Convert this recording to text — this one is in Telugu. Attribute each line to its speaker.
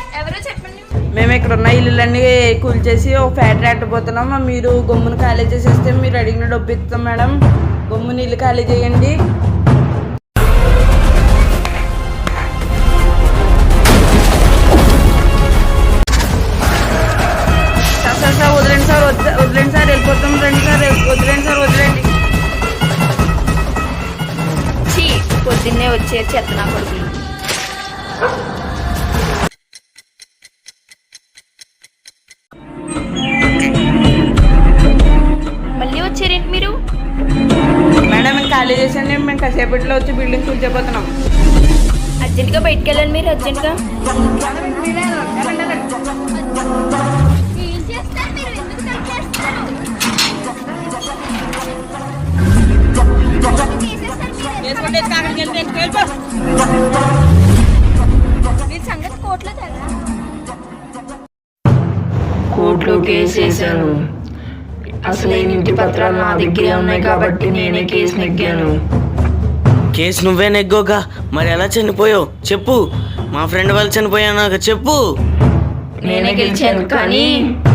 Speaker 1: ఎవరో చెప్పండి.
Speaker 2: మేము ఇక్కడ ఉన్న ఇల్లులన్నీ కూల్చేసి ఒక ఫ్యాక్టరీ అట్టబోతున్నాం. మీరు గమ్మును ఖాళీ చేసేస్తే మీరు అడిగిన డబ్బు ఇస్తాం మేడం. గమ్ముని ఇల్లు ఖాళీ చేయండి. సార్ వదిలేండి సార్, వదిలేండి సార్, వెళ్ళిపోతాం. రండి సార్, వదిలేండి సార్, వదిలేండి.
Speaker 1: పొద్దున్నే వచ్చే చెత్త నా కొడుకులు. మళ్ళీ వచ్చారేంటి మీరు?
Speaker 2: మేడం మేము ఖాళీ చేసండి. మేము కాసేపట్లో వచ్చి బిల్డింగ్ కూల్చిపోతున్నాం.
Speaker 1: అర్జెంట్గా బయటకు వెళ్ళాలి మీరు, అర్జెంట్గా.
Speaker 3: కోర్టులో కేసు వేసాను. అసలు ఇంటి పత్రాలు నా దగ్గరే ఉన్నాయి కాబట్టి నేనే కేసు నెగ్గాను.
Speaker 4: కేసు నువ్వే నెగ్గోగా, మరి ఎలా చనిపోయావు చెప్పు. మా ఫ్రెండ్ వాళ్ళు చనిపోయానాక చెప్పు.
Speaker 3: నేనే గెలిచాను కానీ